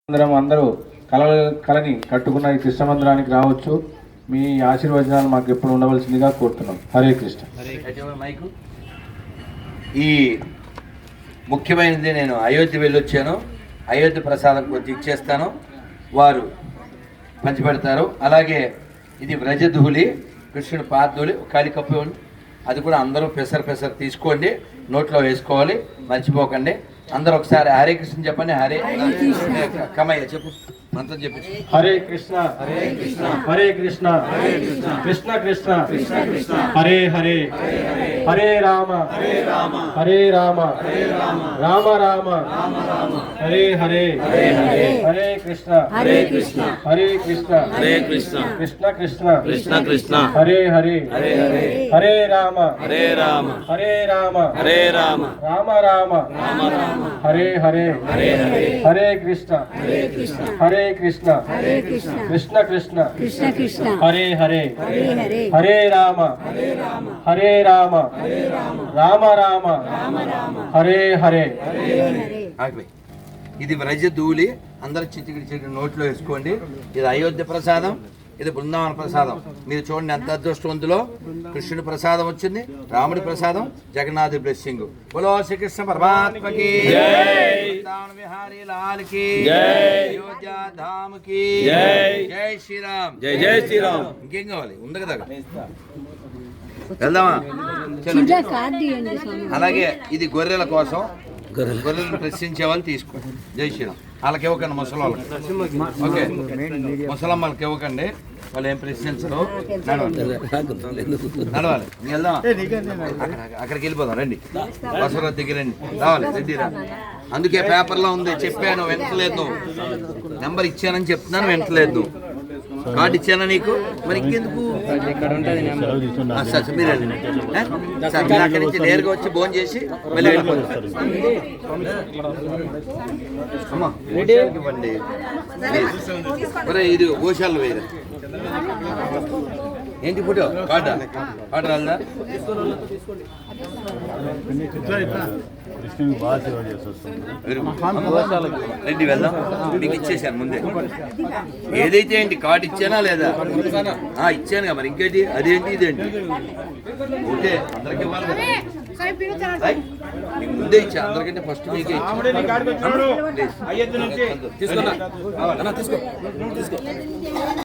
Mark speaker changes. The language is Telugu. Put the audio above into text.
Speaker 1: అందరూ కళని కట్టుకున్న ఈ కృష్ణ మందిరానికి రావచ్చు. మీ ఆశీర్వచనాలు మాకు ఎప్పుడు ఉండవలసిందిగా కోరుతున్నాం. హరే కృష్ణ.
Speaker 2: ఈ ముఖ్యమైనది నేను అయోధ్య వెళ్ళొచ్చాను. అయోధ్య ప్రసాదం కొద్ది ఇచ్చేస్తాను, వారు పంచిపెడతారు. అలాగే ఇది వ్రజధూళి, కృష్ణుడు పాదధూళి, కాలికప్పు ఇవ్వండి. అది కూడా అందరూ పెసరు తీసుకోండి, నోట్లో వేసుకోవాలి, మర్చిపోకండి. అందరూ ఒకసారి హరే కృష్ణ చెప్పండి. హరే కమయ్య చెప్పు, మంత్రం చెప్పి.
Speaker 1: హరే కృష్ణ హరే కృష్ణ హరే కృష్ణ కృష్ణ కృష్ణ హరే హరే హరే రామ హరే రామ రామ రామ హరే హరే హరే కృష్ణ హరే కృష్ణ హరే కృష్ణ కృష్ణ కృష్ణ హరే హరే హరే రామ హరే రామ రామ రామ హరే హరే హరే కృష్ణ హరే కృష్ణ కృష్ణ కృష్ణ హరే హరే హరే రామ రామ రామ హరే హరే.
Speaker 2: ఇది వ్రజధూళి, అందరూ చిటికి నోట్లో వేసుకోండి. ఇది అయోధ్య ప్రసాదం, ఇది బృందావన ప్రసాదం. మీరు చూడండి ఎంత అదృష్టవంతులో. కృష్ణుడి ప్రసాదం వచ్చింది, రాముడి ప్రసాదం, జగన్నాథ్ బ్లెస్సింగ్. బోలో శ్రీకృష్ణ పరమాత్మకి విహారీ లాల్ కి, అయోధ్య ధామ్ కి జై శ్రీరామ్. జై శ్రీరామ్. ఇంకేం కావాలి? ఉంది కదా, వెళ్దామా? అలాగే ఇది గొర్రెల కోసం, గొర్రెలను ప్రశ్నించే వాళ్ళు తీసుకోండి. జై శ్రీరామ్. వాళ్ళకి ఇవ్వకండి, ముసలి వాళ్ళకి. ఓకే, ముసలమ్మలకి ఇవ్వకండి, వాళ్ళు ఏం ప్రశ్నించరు. నడవాలి. వెళ్దాం, అక్కడికి వెళ్ళిపోదాం. రండి, బసవరాజు దగ్గర రండి. రావాలి, రెడ్డిరా. అందుకే పేపర్లో ఉంది, చెప్పాను, వెంటలేదు. నెంబర్ ఇచ్చానని చెప్తున్నాను, వెంటలేదు. కార్డు ఇచ్చానా నీకు? మరి ఇంకెందుకు? మీరు అక్కడి నుంచి నేరుగా వచ్చి భోజనం చేసి మళ్ళీ వెళ్ళిపోతాం. అమ్మా ఇవ్వండి. ఇది గోశాల వేరే. ఏంటి ఫోటో? కార్డా? కార్డు రాదా? రెడ్డి వెళ్దాం. మీకు ఇచ్చేసాను ముందే. ఏదైతే ఏంటి, కార్డు ఇచ్చానా లేదా? ఇచ్చానుగా, మరి ఇంకేంటి? అదేంటి ఇదేంటి? ఓకే, అందరికి ఇవ్వాలి కదా. ముందే ఇచ్చా అందరికంటే, ఫస్ట్ మీకే ఇచ్చా. తీసుకో.